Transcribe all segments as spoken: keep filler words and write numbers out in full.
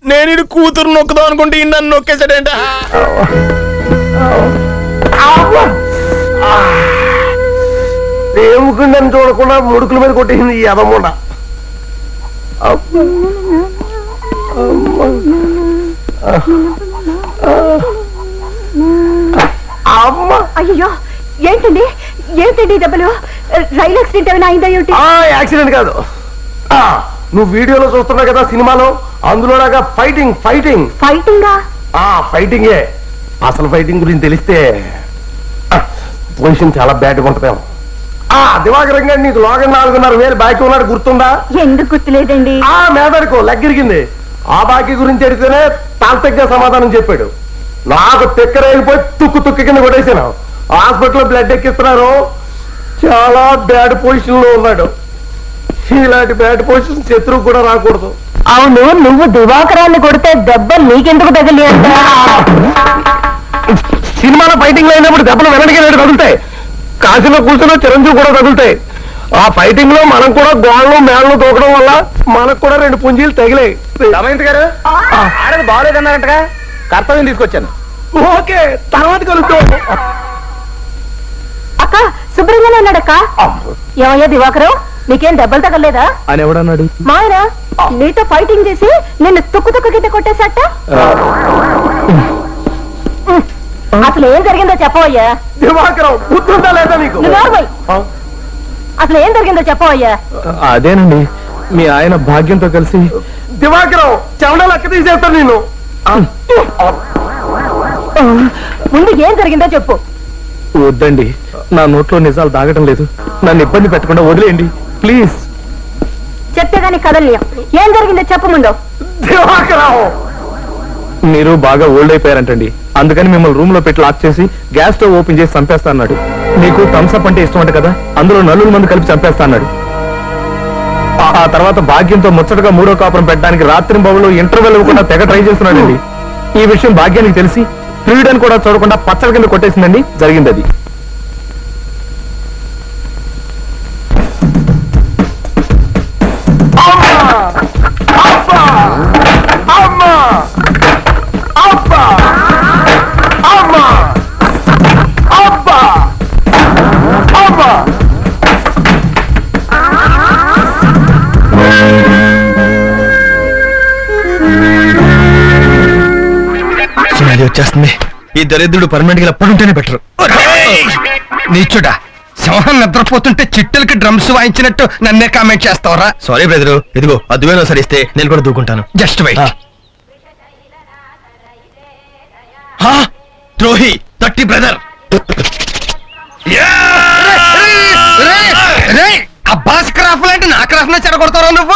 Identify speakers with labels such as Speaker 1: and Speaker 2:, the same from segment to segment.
Speaker 1: నేను ఇది కూతురు నొక్కుదాం అనుకుంటే ఈ నన్ను నొక్కేసాడేంట.
Speaker 2: ఏముకుందని చూడకుండా ముడుకుల మీద కొట్టేసింది ఈ అదమ్ముండ.
Speaker 3: అయ్యో ఏంటండి ఏంటండి దెబ్బలు? రైలు యాక్సిడెంట్ ఏమైనా అయిందా ఏమిటి?
Speaker 2: యాక్సిడెంట్ కాదు, నువ్వు వీడియోలో చూస్తున్నావు కదా సినిమాలో, అందులోలాగా ఫైటింగ్ ఫైటింగ్
Speaker 3: ఫైటింగా?
Speaker 2: ఫైటింగే. అసలు ఫైటింగ్ గురించి తెలిస్తే పొజిషన్ చాలా బ్యాడ్గా ఉంటుందేమో. ఆ దివాకరం గారు నీకు లోగన్ నాలుగున్నర వేలు బాకీ ఉన్నాడు, గుర్తుందా?
Speaker 3: ఎందుకు గుర్తులేదండి?
Speaker 2: ఆ మేదడుకో లెగ్గిరిగింది. ఆ బాకీ గురించి అడిగితేనే తాంతగ్గా సమాధానం చెప్పాడు. నాకు తిక్కరేగిపోయి తుక్కు తుక్కు కింద కొట్టేసాను. హాస్పిటల్లో బ్లడ్ ఎక్కిస్తున్నారు, చాలా బ్యాడ్ పొజిషన్ లో ఉన్నాడు. ఇలాంటి బ్యాడ్ పొజిషన్ శత్రువు కూడా రాకూడదు.
Speaker 3: అవును, నువ్వు దివాకరాన్ని కొడితే దెబ్బలు నీకెందుకు తగిలి అంట?
Speaker 2: సినిమాలో ఫైటింగ్ లో అయినప్పుడు దెబ్బలు వెనక్కి రెండు తగులుతాయి, కాశీలో కూర్చున్న చిరంజీవి కూడా తగులుతాయి. ఆ ఫైటింగ్ లో మనం కూడా గోళ్ళు మేళ్ళు తోకడం వల్ల మనకు కూడా రెండు పుంజీలు తగిలాయి.
Speaker 1: రమేంద్ర గారు ఆడది బాగోలేదన్నారంటగా, కర్తవ్యం తీసుకొచ్చాను.
Speaker 2: ఓకే, తర్వాత కలుద్దాం.
Speaker 3: అక్క శుభ్రంగానే ఉన్నాడక్క. ఏమయ్యా దివాకరం, నీకేం దెబ్బలు తగలేదా
Speaker 2: అని ఎవడన్నాడు?
Speaker 3: మాయన నీతో ఫైటింగ్ చేసి నిన్ను తుక్కు తుక్కు కింద కొట్టేసట. అసలు ఏం జరిగిందో చెప్పవయ్యా.
Speaker 2: దివాకరం బుద్ధుందా లేదా నీకు?
Speaker 3: అసలు ఏం జరిగిందో చెప్పవయ్యా.
Speaker 2: అదేనండి, మీ ఆయన భాగ్యంతో కలిసి దివాకరం చెవడ లెక్క తీసేస్తాను నేను.
Speaker 3: ముందు ఏం జరిగిందో చెప్పు.
Speaker 2: వద్దండి, నా నోట్లో నిజాలు దాగటం లేదు, నన్ను ఇబ్బంది పెట్టకుండా వదిలేయండి ప్లీజ్.
Speaker 3: చెప్తే గానీ కదలియం. ఏం జరిగిందో చెప్పు ముందు.
Speaker 2: దివాకరం, మీరు బాగా ఓల్డ్ అయిపోయారంటండి, అందుకని మిమ్మల్ని రూమ్ లో పెట్టి లాక్ చేసి గ్యాస్ స్టవ్ ఓపెన్ చేసి చంపేస్తా అన్నాడు. నీకు థమ్స్అప్ అంటే ఇష్టం అంట కదా, అందులో నలుగురు మంది కలిపి చంపేస్తా అన్నాడు. ఆ తర్వాత భాగ్యంతో ముచ్చటగా మూడో కాపురం పెట్టడానికి రాత్రి బాబులు ఇంటర్వెల్ ఇవ్వకుండా తెగ ట్రై చేస్తున్నాడండి. ఈ విషయం భాగ్యానికి తెలిసి ఫ్రీడన్ కూడా చూడకుండా పచ్చల కింద కొట్టేసిందండి. జరిగింది అది.
Speaker 1: వచ్చేస్తుంది. ఈ దరిద్రుడు పర్మనెంట్ గా ఎప్పుడుంటేనే బెటర్. నీచుడా, సింహం నిద్రపోతుంటే చిట్టెలకి డ్రమ్స్ వాయించినట్టు నన్నే కామెంట్ చేస్తావరా? సారీ బ్రదరు, ఇదిగో అద్దువేనో సరిస్తే నేను కూడా దూకుంటాను. Just wait. ద్రోహి తట్టి బ్రదర్. అబ్బాస్ క్రాఫ్ లాంటి నా క్రాఫ్ నే చెడగొడతారా నువ్వు?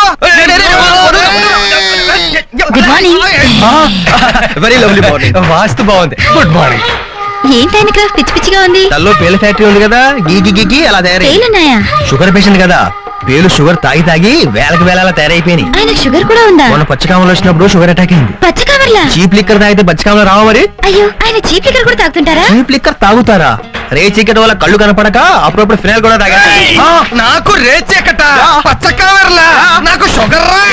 Speaker 4: Good morning.
Speaker 1: Very lovely morning. వాస్తు బాగుంది. Good morning.
Speaker 4: ఏంటైన క్రాఫ్ పిచ్చి పిచ్చిగా ఉంది?
Speaker 1: తల్లో పేల ఫ్యాక్టరీ ఉంది కదా, గీగి గీగి అలా తయారై.
Speaker 4: పేలున్నాయా?
Speaker 1: షుగర్ పేషెంట్ కదా, పేలు షుగర్ తాగి తాగి వేలకు వేల తయారైపోయినాయి.
Speaker 4: ఆయన షుగర్ కూడా ఉందా?
Speaker 1: మొన్న పచ్చకామలు వచ్చినప్పుడు షుగర్ అటాక్ అయింది.
Speaker 4: పచ్చకామర్లా?
Speaker 1: చీప్ లిక్కర్ తాగితే పచ్చకామలు రావా మరి?
Speaker 4: అయ్యో, ఆయన చీప్ లిక్కర్ కూడా తాగుతుంటారా?
Speaker 1: చీప్ లిక్కర్ తాగుతారా? రే చీకటి వల్ల కళ్ళు కనపడక అప్పుడప్పుడు ఫినాయిల్ కూడా తాగా. నాకు రే చీకట పచ్చకామర్లా, నాకు షుగర్ రా.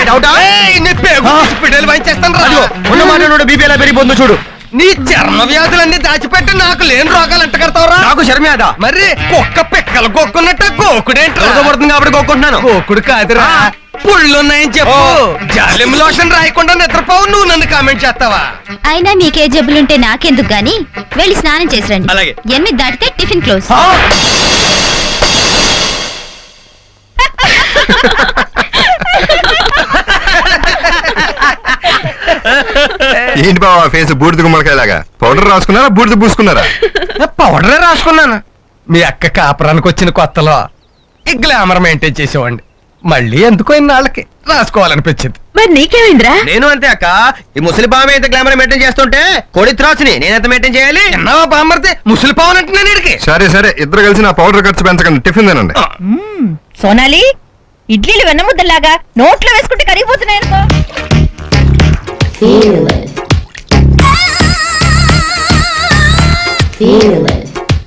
Speaker 1: ఉన్నమాట బీపీ ఎలా పెరిగిపోతుందో చూడు. నీ చర్మ వ్యాధులన్నీ దాచిపెట్టి నాకు లేని రోగాలు అంట కడతావురా? నాకు చర్మవ్యాధ మరి కుక్క పిక్కలు గోక్కున్నట్టు గోకుడేంటి పడుతుంది కాబట్టి గోక్కుంటున్నాను. గోకుడు కాదురా, పుళ్ళున్నాయని చెప్పు. జాలిం లోషన్ రాయకుండా నిద్రపోవు, నువ్వు నన్ను కామెంట్ చేస్తావా?
Speaker 4: అయినా మీకే జబ్బులుంటే నాకెందుకు గాని, వెళ్ళి స్నానం చేసి రండి.
Speaker 1: అలాగే.
Speaker 4: ఎనిమిది దాటితే టిఫిన్ క్లోజ్.
Speaker 5: ఏంటి బాబా ఫేస్ బూడిద గుమ్మడికాయలాగా? పౌడర్ రాసుకున్నారా, బూడిద పూసుకున్నారా?
Speaker 1: పౌడరే రాసుకున్నాను. మీ అక్క కాపురానికి వచ్చిన కొత్తలో ఈ గ్లామర్ మెయింటైన్ చేసేవాడిని. మళ్ళీ ఎందుకో ఇన్నాళ్ళకి రాసుకోవాలనిపించింది.
Speaker 4: మరి నీకేమైందిరా?
Speaker 1: నేను అంతే అక్క. ఈ ముసలి పాము అయితే గ్లామర్ మెయింటైన్ చేస్తుంటే కోడి త్రాసుని నేనైతే మెయింటైన్ చేయాలి. ఎన్నో బామ్మర్తే ముసలి పాము అంటే నేను.
Speaker 5: సరే సరే, ఇద్దరు కలిసి నా పౌడర్ ఖర్చు పెంచకండి, టిఫిన్ తినండి.
Speaker 4: సోనాలి, ఇడ్లీలు వెన్నముద్దలాగా నోట్లో వేసుకుంటే కరిగిపోతున్నాయి అనుకో.
Speaker 6: Feel it. Feel it.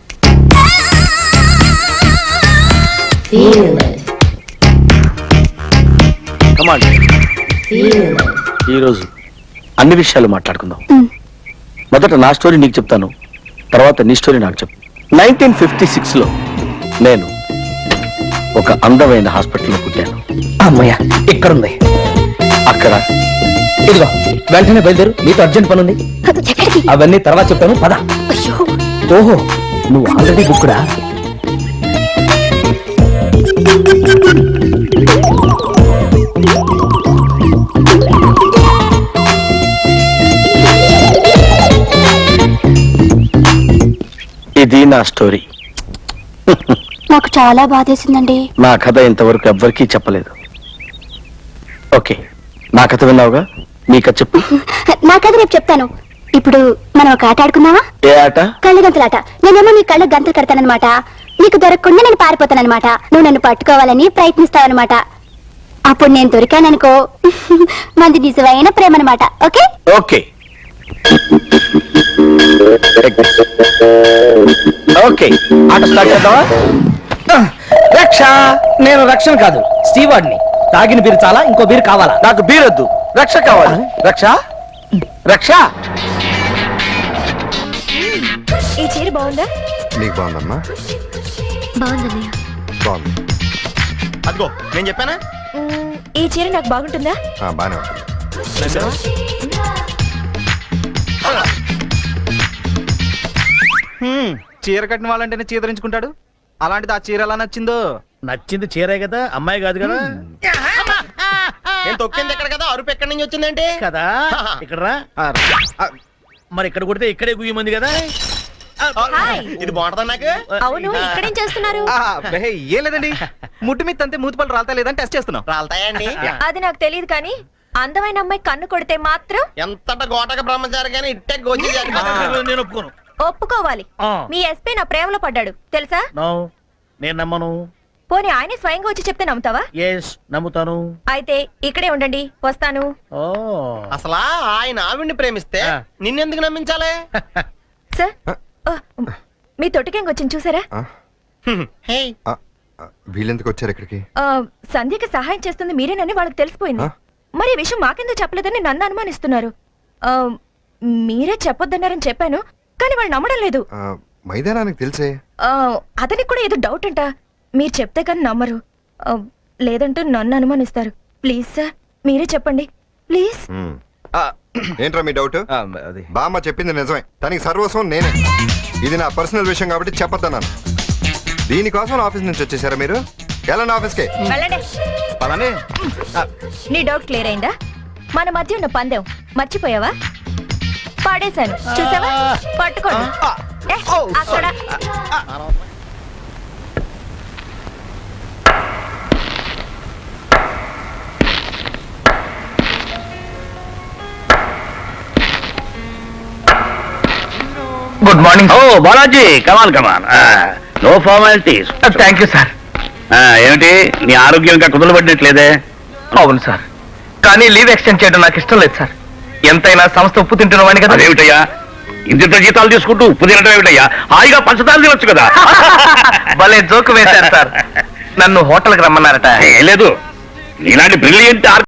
Speaker 6: Feel it.
Speaker 2: Come on.
Speaker 6: Feel it.
Speaker 2: ఈ రోజు
Speaker 6: అన్ని విషయాలు మాట్లాడుకుందాం. మొదట నా స్టోరీ నీకు చెప్తాను, తర్వాత నీ స్టోరీ నాకు చెప్పు. నైన్టీన్ ఫిఫ్టీ సిక్స్ లో నేను ఒక అందమైన హాస్పిటల్లో పుట్టాను.
Speaker 7: అమ్మయ్య ఇక్కడుంది.
Speaker 6: అక్కడ
Speaker 7: ఇదిగో వెంటనే బయలుదేరు, నీతో అర్జెంట్ పని ఉంది.
Speaker 3: ఎక్కడికి?
Speaker 7: అవన్నీ తర్వాత చెప్తాను, పద.
Speaker 3: అయ్యో,
Speaker 7: ఓహో, నువ్వు ఆల్రెడీ బుక్కుడా?
Speaker 6: ఇది నా స్టోరీ.
Speaker 3: నాకు చాలా బాధేసిందండి.
Speaker 6: నా కథ ఇంతవరకు ఎవ్వరికీ చెప్పలేదు. ఓకే, నా కథ విన్నావుగా, నీ కథ చెప్పు.
Speaker 3: నా కథ రేపు చెప్తాను. ఇప్పుడు మనం ఒక ఆట ఆడుకుందామా?
Speaker 6: ఏ ఆట?
Speaker 3: కళ్ళ గంతలాట. నేనేమో నీ కళ్ళ గంతలు కడతానన్నమాట. నీకు దొరకకుండా నేను పారిపోతానన్నమాట. నువ్వు నన్ను పట్టుకోవాలని ప్రయత్నిస్తావన్నమాట. అప్పుడు నేను దొరికాననుకో, మంది నిజమైన ప్రేమ అనమాట. ఓకే
Speaker 6: ఓకే ఓకే ఆట స్టార్ట్ చేద్దామా?
Speaker 7: రక్ష, నేను రక్షణ కాదు, స్టీవార్డ్ని. తాగిన బీరు చాలా, ఇంకో బీరు కావాలా?
Speaker 6: నాకు బీరొద్దు, రక్ష కావాలి. రక్ష రక్ష
Speaker 3: ఈ చీర బాగుందా?
Speaker 5: నీకు బాగుందమ్మా?
Speaker 4: బాగుందన్నయ్య.
Speaker 5: బాగుంది.
Speaker 1: అదిగో నేను చెప్పానా?
Speaker 3: ఈ చీర నాకు బాగుంటుందా?
Speaker 5: ఆ, బానే ఉంటుంది.
Speaker 2: చీర కట్టిన వాళ్ళంటేనే చీదరించుకుంటాడు. అలాంటిది ఆ చీర ఎలా నచ్చిందో.
Speaker 7: నచ్చింది చీరే కదా, అమ్మాయి కాదు కదా.
Speaker 1: నేను తొక్కింది ఎక్కడ కదా, అరుపు ఎక్కడి నుంచి వచ్చిందంటే
Speaker 7: కదా ఇక్కడ రా. మరి ఇక్కడ కొడితే ఇక్కడే గుయ్యమంది కదా.
Speaker 1: ఇది బాగుంటుందా నాకు?
Speaker 3: అవును, ఇక్కడేం చేస్తున్నారు?
Speaker 2: ఆ, బెహే, ఏం లేదండి, ముట్టు మీద తంతే మూతిపళ్ళు రాలతా లేదని టెస్ట్ చేస్తున్నాం.
Speaker 1: రాలతాయండి.
Speaker 3: అది నాకు తెలియదు కానీ అందమైన అమ్మాయి కన్ను కొడితే మాత్రం
Speaker 1: ఎంతట గోటక బ్రహ్మచారి గానీ ఇట్టే గోచి
Speaker 7: నేను ఒప్పుకోను.
Speaker 3: ఒప్పుకోవాలి.
Speaker 7: ఆ.
Speaker 3: మీ ఎస్పీ నా ప్రేమలో పడ్డాడు తెలుసా?
Speaker 7: నో, నేను నమ్మను.
Speaker 3: పోనీ ఆయనే స్వయంగా వచ్చి చెప్తే నమ్ముతావా?
Speaker 7: ఎస్, నమ్ముతాను.
Speaker 3: అయితే ఇక్కడే ఉండండి, వస్తాను.
Speaker 7: ఓ
Speaker 1: అసలా ఆయన ఆవిడ్ని ప్రేమిస్తే
Speaker 7: ఆ.
Speaker 1: నిన్నెందుకు నమ్మించాలి?
Speaker 3: సార్, ఓ, మీ తొట్టికెంగ్ వచ్చింది చూసారా?
Speaker 5: ఆ?
Speaker 1: హే,
Speaker 5: ఆ, ఆ, వీళ్ళెందుకు వచ్చారు ఇక్కడికి?
Speaker 3: ఆ, సంధ్యకి సహాయం చేస్తుంది మీరేనని వాళ్ళకి తెలిసిపోయింది.
Speaker 5: ఆ?
Speaker 3: మరి ఈ విషయం మాకెందుకు చెప్పలేదని నన్ను అనుమానిస్తున్నారు. ఆ, మీరే చెప్పొద్దన్నారని చెప్పాను, కానీ వాళ్ళు నమ్మడం లేదు.
Speaker 5: ఆ, మైదానానికి తెలిసే.
Speaker 3: ఆ, అతనికి కూడా ఏదో డౌట్ అంట. మీరు చెప్తే కానీ నమ్మరు. ఆ, లేదంటే నన్ను అనుమానిస్తారు. ప్లీజ్ సార్, మీరే చెప్పండి ప్లీజ్.
Speaker 5: ఉమ్.
Speaker 2: ఆ,
Speaker 5: ఏంట్రా మీ డౌట్?
Speaker 2: ఆ, అది
Speaker 5: బామ్మ చెప్పింది నిజమే, తనకి సర్వస్వం నేనే. ఇది నా పర్సనల్ విషయం కాబట్టి చెప్పొద్దన్నాను. దీనికోసం ఆఫీస్ నుంచి వచ్చేసారా మీరు? వెళ్ళండి ఆఫీస్కి.
Speaker 3: వెళ్ళండి.
Speaker 2: పలానే.
Speaker 3: నీ డౌట్ క్లియర్ అయిందా? మన మధ్య ఉన్న పందెం మర్చిపోయావా? పాడేశాను చూసావా? పట్టుకోండి. ఏ, అక్కడ
Speaker 7: గుడ్ మార్నింగ్.
Speaker 8: ఓ Balaji, come on come on. No formalities.
Speaker 7: Thank you sir.
Speaker 8: ఏమిటి నీ ఆరోగ్యం ఇంకా కుదలబడినట్లేదే?
Speaker 7: అవును సార్, కానీ లీవ్ ఎక్స్టెండ్ చేయడం నాకు ఇష్టం లేదు సార్. ఎంతైనా సంస్థ ఉప్పు తింటున్న వాడిని కదా.
Speaker 8: అదేమిటయ్యా, ఇంత జీతాలు తీసుకుంటూ ఉప్పు తినడం ఏమిటయ్యా? హాయిగా పంచదార తినొచ్చు కదా.
Speaker 7: భలే జోకు వేశారు సార్. నన్ను హోటల్కి రమ్మన్నారట.
Speaker 8: ఏం లేదు, నీలాంటి బ్రిలియంట్